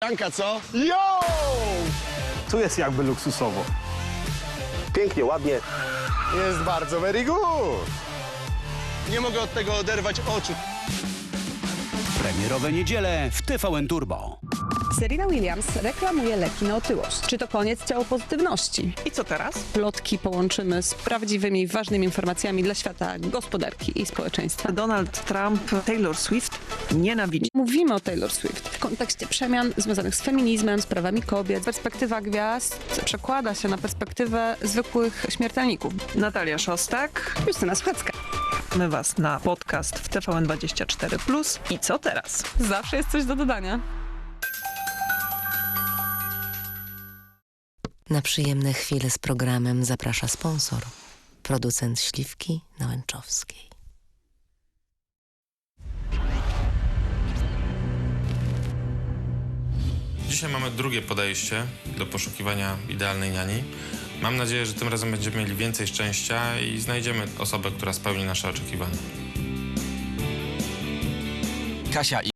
niespodzianka, co? Yo! Tu jest jakby luksusowo. Pięknie, ładnie. Jest bardzo very good. Nie mogę od tego oderwać oczu. Premierowe niedziele w TVN Turbo. Serena Williams reklamuje leki na otyłość. Czy to koniec ciałopozytywności? I co teraz? Plotki połączymy z prawdziwymi, ważnymi informacjami dla świata gospodarki i społeczeństwa. Donald Trump, Taylor Swift nienawidzi. Mówimy o Taylor Swift w kontekście przemian związanych z feminizmem, z prawami kobiet. Perspektywa gwiazd przekłada się na perspektywę zwykłych śmiertelników. Natalia Szostak. Justyna Słuchacka. My was na podcast w TVN24+. I co teraz? Zawsze jest coś do dodania. Na przyjemne chwile z programem zaprasza sponsor, producent śliwki na Łęczowskiej. Dzisiaj mamy drugie podejście do poszukiwania idealnej niani. Mam nadzieję, że tym razem będziemy mieli więcej szczęścia i znajdziemy osobę, która spełni nasze oczekiwania. Kasia i